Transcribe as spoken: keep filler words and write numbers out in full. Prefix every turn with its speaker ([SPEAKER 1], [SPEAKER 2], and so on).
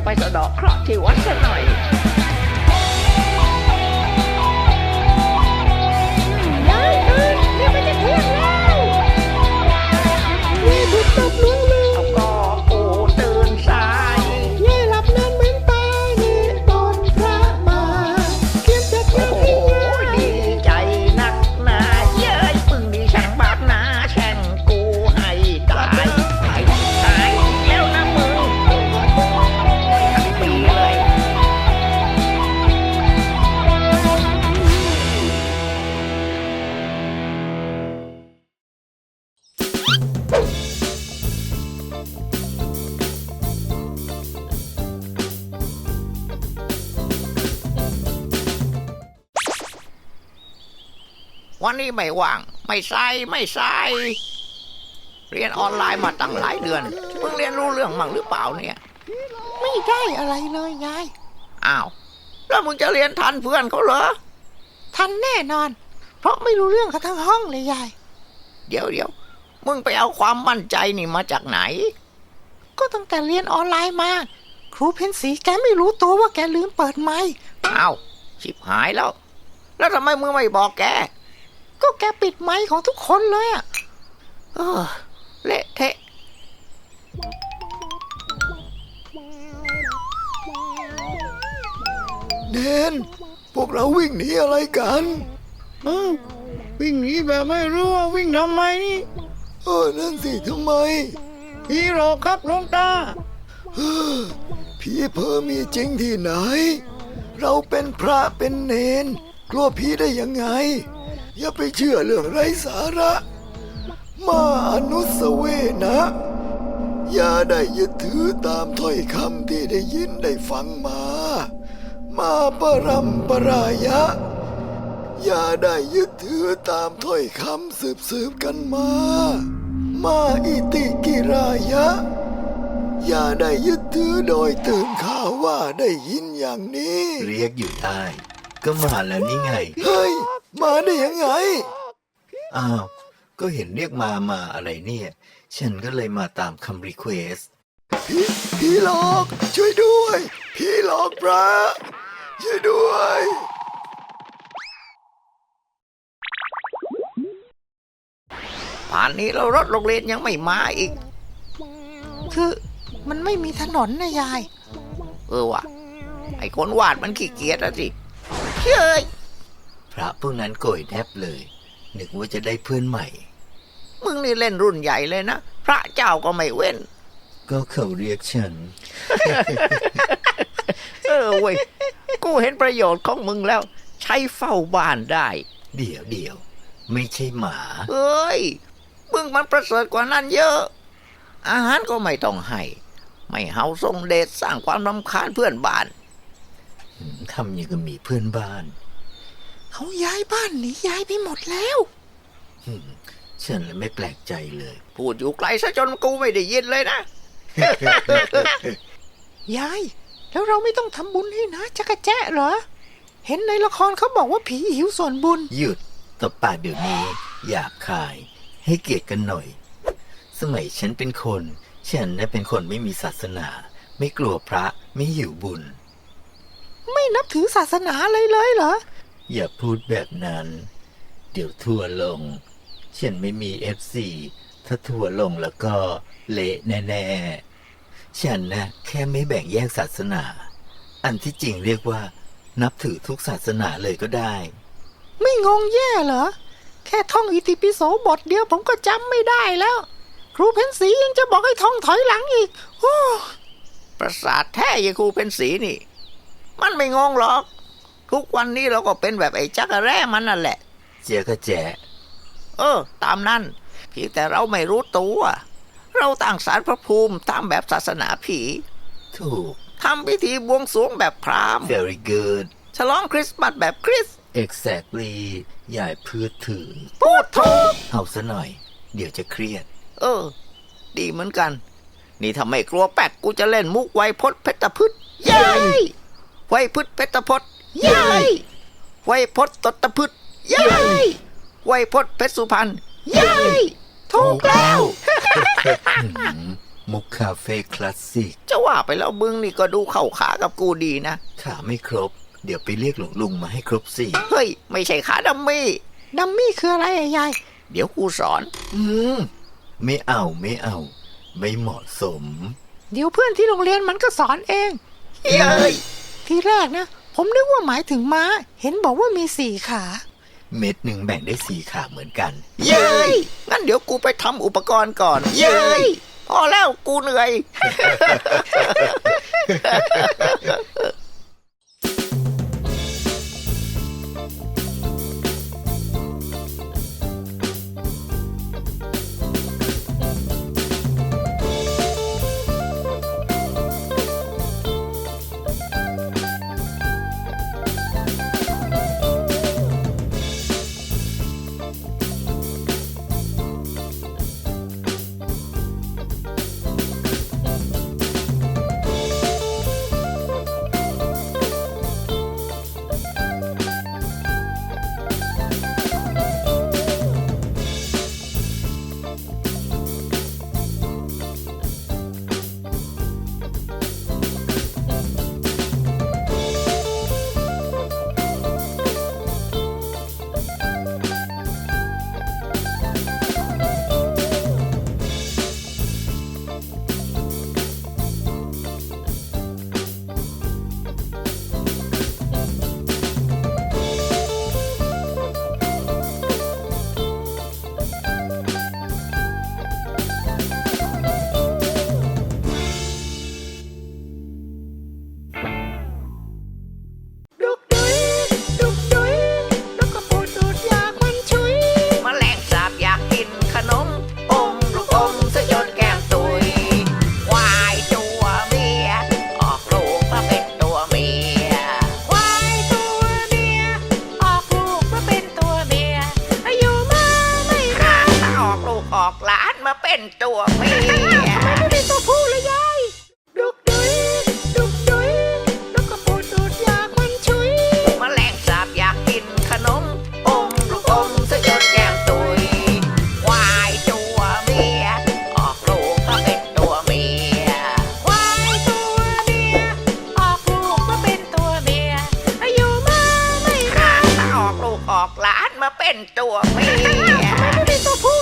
[SPEAKER 1] สะเดาะเคราะห์ที่วัดซะหน่อย
[SPEAKER 2] ยายตื่นเดี๋ยวมันจะเที่ยงแล้วนี่ถูกตบลงเลย
[SPEAKER 1] เอาก็กูตื่นสาย
[SPEAKER 2] นี่หลับนานเหมือนตายนี่ตอนพระมาเขียนจะเที่ยงที่ยาย
[SPEAKER 1] ดีใจนักหนาเย้ยปึงดีช่างบาปนาแช่งกูให้ตายตายตายแล้วนะมึงทั้งปีเลยวันนี้ไม่ว่างไม่ใส่ไม่ใส่เรียนออนไลน์มาตั้งหลายเดือนเพิ่งเรียนรู้เรื่องมั่งหรือเปล่าเนี่ย
[SPEAKER 2] ไม่ได้อะไรเลยยาย
[SPEAKER 1] อ้าวแล้วมึงจะเรียนทันเพื่อนเขาเหรอ
[SPEAKER 2] ทันแน่นอน เพราะไม่รู้เรื่องกันทั้งห้องเลยยาย
[SPEAKER 1] เดี๋ยวเดี๋ยวมึงไปเอาความมั่นใจนี่มาจากไหน
[SPEAKER 2] ก็ตั้งแต่เรียนออนไลน์มาครูเพนสีแกไม่รู้ตัวว่าแกลืมเปิดไมค์
[SPEAKER 1] อ้าวชิบหายแล้วแล้วทำไมมึงไม่บอกแก
[SPEAKER 2] ก็แกปิดไมค์ของทุกคนเลยอะ
[SPEAKER 1] เออเละเทะ
[SPEAKER 3] เนนพวกเราวิ่งหนีอะไรกัน
[SPEAKER 2] เออวิ่งหนีแบบไม่รู้ว่าวิ่งทำไมนี่
[SPEAKER 3] เออนั่นสิทำไม
[SPEAKER 2] ผีหลอกครับหลวงตา
[SPEAKER 3] เออผีเพ้อมีจริงที่ไหนเราเป็นพระเป็นเนนกลัวผีได้ยังไงอย่าไปเชื่อเรื่องไร้สาระมาอนุสเวนะอย่าได้ยึดถือตามถ้อยคำที่ได้ยินได้ฟังมามาปรัมปรายะอย่าได้ยึดถือตามถ้อยคำสืบสืบกันมามาอิติกิรายะอย่าได้ยึดถือโดยตื่นข่าวว่าได้ยินอย่างนี้
[SPEAKER 4] เรียกอยู่ได้ก็มาแล้วนี่ไง
[SPEAKER 3] เฮ้ยมาได้ยังไง
[SPEAKER 4] อ้าวก็เห็นเรียกมามาอะไรเนี่ยฉันก็เลยมาตามคำรีเควส
[SPEAKER 3] พี่พี่หลอกช่วยด้วยพี่หลอกพระช่วยด้วย
[SPEAKER 1] ป่านนี้เรารถโรงเรียนยังไม่มาอีก
[SPEAKER 2] คือมันไม่มีถนนนะยาย
[SPEAKER 1] เออว่ะไอ้คนวาดมันขี้เกียจอะสิเฮ้ย
[SPEAKER 4] พระพวกนั้นโกยแทบเลยนึกว่าจะได้เพื่อนใหม่
[SPEAKER 1] มึงนี่เล่นรุ่นใหญ่เลยนะพระเจ้าก็ไม่เว้น
[SPEAKER 4] ก็เขาเรียกฉัน
[SPEAKER 1] เออเว้ยกูเห็นประโยชน์ของมึงแล้วใช้เฝ้าบ้านได้
[SPEAKER 4] เดี๋ยวเดี๋ยวไม่ใช่หมา
[SPEAKER 1] เอ้ยมึงมันประเสริฐกว่านั้นเยอะอาหารก็ไม่ต้องให้ไม่เฮาส่งเดชสร้างความรำคาญเพื่อนบ้าน
[SPEAKER 4] ทำอย่างกับมีเพื่อนบ้าน
[SPEAKER 2] เขาย้ายบ้านหนีย้ายไปหมดแล้ว
[SPEAKER 4] ฉันเลยไม่แปลกใจเลย
[SPEAKER 1] พูดอยู่ไกลซะจนกูไม่ได้ยินเลยนะ
[SPEAKER 2] ยายแล้วเราไม่ต้องทำบุญให้นะจักรแจ๊ะเหรอเห็นในละครเขาบอกว่าผีหิวส่วนบุญ
[SPEAKER 4] หยุดตบปากเดี๋ยวนี้หยาบคายให้เกียรติกันหน่อยสมัยฉันเป็นคนฉันน่ะเป็นคนไม่มีศาสนาไม่กลัวพระไม่หิวบุญ
[SPEAKER 2] ไม่นับถือศาสนาเลยเลยเหรอ
[SPEAKER 4] อย่าพูดแบบนั้นเดี๋ยวทัวร์ลงฉันไม่มี เอฟ ซี ถ้าทัวร์ลงแล้วก็เละแน่ๆฉันนะแค่ไม่แบ่งแยกศาสนาอันที่จริงเรียกว่านับถือทุกศาสนาเลยก็ได้
[SPEAKER 2] ไม่งงแย่เหรอแค่ท่องอิติปิโสบทเดียวผมก็จำไม่ได้แล้วครูเพนสียังจะบอกให้ท่องถอยหลังอีกโอ้
[SPEAKER 1] ประสาทแท้ยายครูเพนสีนี่มันไม่งงหรอกทุกวันนี้เราก็เป็นแบบไอ้จักรแร่มันนั่นแหละ
[SPEAKER 4] เจ๊ก็แจ๊
[SPEAKER 1] เออตามนั้นเพียงแต่เราไม่รู้ตัวเราตั้งศาลพระภูมิตามแบบศาสนาผี
[SPEAKER 4] ถูก
[SPEAKER 1] ทำพิธีบวงสรวงแบบพราหมณ์
[SPEAKER 4] very good
[SPEAKER 1] ฉลองคริสต์มาสแบบคริสต์
[SPEAKER 4] exactly อย่าพูดถึง
[SPEAKER 1] พูดถูก
[SPEAKER 4] เอาซะหน่อยเดี๋ยวจะเครียด
[SPEAKER 1] เออดีเหมือนกันนี่ถ้าไม่กลัวแป๊กกูจะเล่นมุกไวยพจน์เพชรพฤกษ์เย้ยไวยพฤกษ์เพชรพจน์เย้ยไวยพจน์ตตพฤกษ์เย้ยไวยพจน์เพชรสุพรรณเย้ยถูกแล้ว
[SPEAKER 4] มุกคาเฟ่คลาสสิก
[SPEAKER 1] จะว่าไปแล้วมึงนี่ก็ดูเข้าขากับกูดีนะ
[SPEAKER 4] ขาไม่ครบ เดี๋ยวไปเรียกหลวงลุงมาให้ครบสี่
[SPEAKER 1] เฮ้ย ไม่ใช่ขาดัมมี่
[SPEAKER 2] ดัมมี่คืออะไรอะยาย
[SPEAKER 1] เดี๋ยวกูสอน
[SPEAKER 4] อืม ไม่เอาไม่เอา ไม่เหมาะสม
[SPEAKER 2] เดี๋ยวเพื่อนที่โรงเรียนมันก็สอนเอง
[SPEAKER 1] เย้ย
[SPEAKER 2] ทีแรกนะ ผมนึกว่าหมายถึงม้า เห็นบอกว่ามีสี่ขา
[SPEAKER 4] เม็ดหนึ่งแบ่งได้สี่ขาเหมือนกัน
[SPEAKER 1] เย้ยงั้นเดี๋ยวกูไปทำอุปกรณ์ก่อน เย้ยพอแล้วกูเหนื่อย
[SPEAKER 2] ดุกดุยดุกดุยนกกระปูดดูดยาควันชุย
[SPEAKER 1] แมลงสาบอยากกินขนม อมลูกอมซะจนแก้มตุยควายตัวเมีย ออกลูกมาเป็นตัวเมีย
[SPEAKER 2] ควายตัวเมีย ออกลูกมาเป็นตัวเมีย อายุมาไม่นาน
[SPEAKER 1] ถ้าออกลูกออกหลานมาเป็นตัวเมีย
[SPEAKER 2] ไม่ได้ตัวผู้เลยยาย ดุกดุยดุกดุยนกกระปูดดูดยาควันชุย
[SPEAKER 1] แมลงสาบอยากกินขนม อมลูกอมซะจนแก้มตุยควายตัวเมีย ออกลูกมาเป็นตัวเมีย
[SPEAKER 2] ควายตัวเมีย ออกลูกมาเป็นตัวเมีย อายุมาไม่นาน
[SPEAKER 1] ถ้าออกลูกออกหลานมาเป็นตัวเมีย
[SPEAKER 2] ไม่ได้ตัวผู้